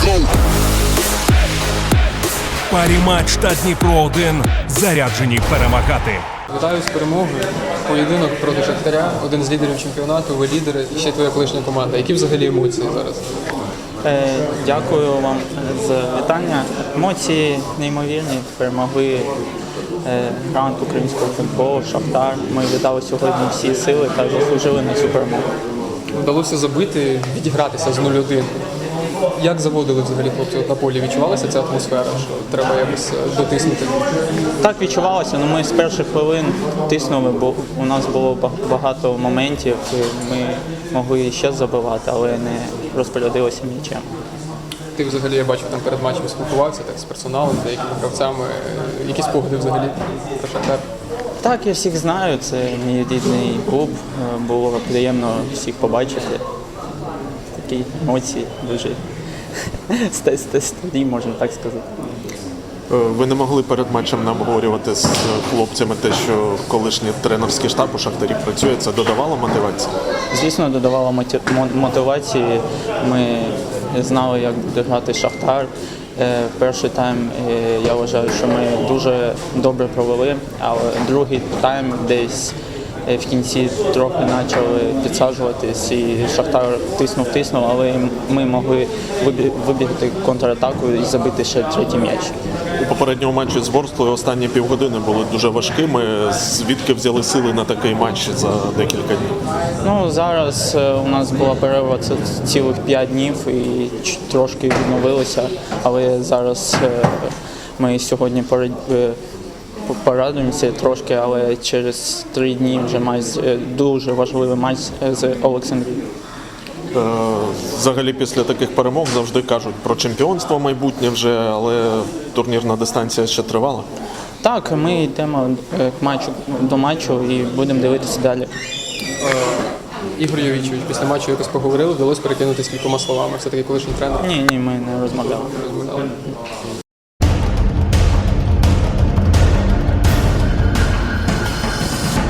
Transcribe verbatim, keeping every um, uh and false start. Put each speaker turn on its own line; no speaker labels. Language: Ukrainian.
Парі матч та Дніпро один заряджені перемагати.
Вітаю з перемогою. Поєдинок проти Шахтаря, один з лідерів чемпіонату, ви лідери і ще твоя колишня команда. Які взагалі емоції зараз?
Е, Дякую вам за вітання. Емоції неймовірні. Перемогли е, грант українського футболу, Шахтар. Ми віддали сьогодні всі сили та заслужили на цю перемогу.
Вдалося забити, відігратися з нуль один. Як заводили взагалі хлопці на полі? Відчувалася ця атмосфера, що треба якось дотиснути?
Так відчувалося, але ми з перших хвилин тиснули, бо у нас було багато моментів, і ми могли ще забивати, але не розпорядилися м'ячем.
Ти взагалі, я бачив, там перед матчем спілкувався так, з персоналом, з деякими гравцями. Які спогади взагалі про Шахтар?
Так, я всіх знаю, це мій рідний клуб, було приємно всіх побачити. Такі емоції дуже старі, можна так сказати.
Ви не могли перед матчем нам обговорювати з хлопцями те, що колишній тренерський штаб у Шахтарі працює, це додавало мотивації?
Звісно, додавало мотивації. Ми знали, як буде грати Шахтар. Перший тайм, я вважаю, що ми дуже добре провели, але другий тайм десь в кінці трохи почали підсаджуватись і Шахтар тиснув-тиснув, але ми могли вибігти контратаку і забити ще третій м'яч.
У попередньому матчі з Ворсклою останні півгодини були дуже важкими. Звідки взяли сили на такий матч за декілька днів?
Ну, зараз у нас була перерва це цілих п'ять днів і трошки відновилися, але зараз ми сьогодні порадуємося трошки, але через три дні вже має дуже важливий матч з Олександрією.
Взагалі після таких перемог завжди кажуть про чемпіонство майбутнє вже, але турнірна дистанція ще тривала.
Так, ми йдемо матчу, до матчу і будемо дивитися далі.
Ігор Йовічович, після матчу якось поговорили, вдалося перекинутися кількома словами. Все-таки колишній тренер.
Ні, ні, ми не розмовляли.
Розмовляли.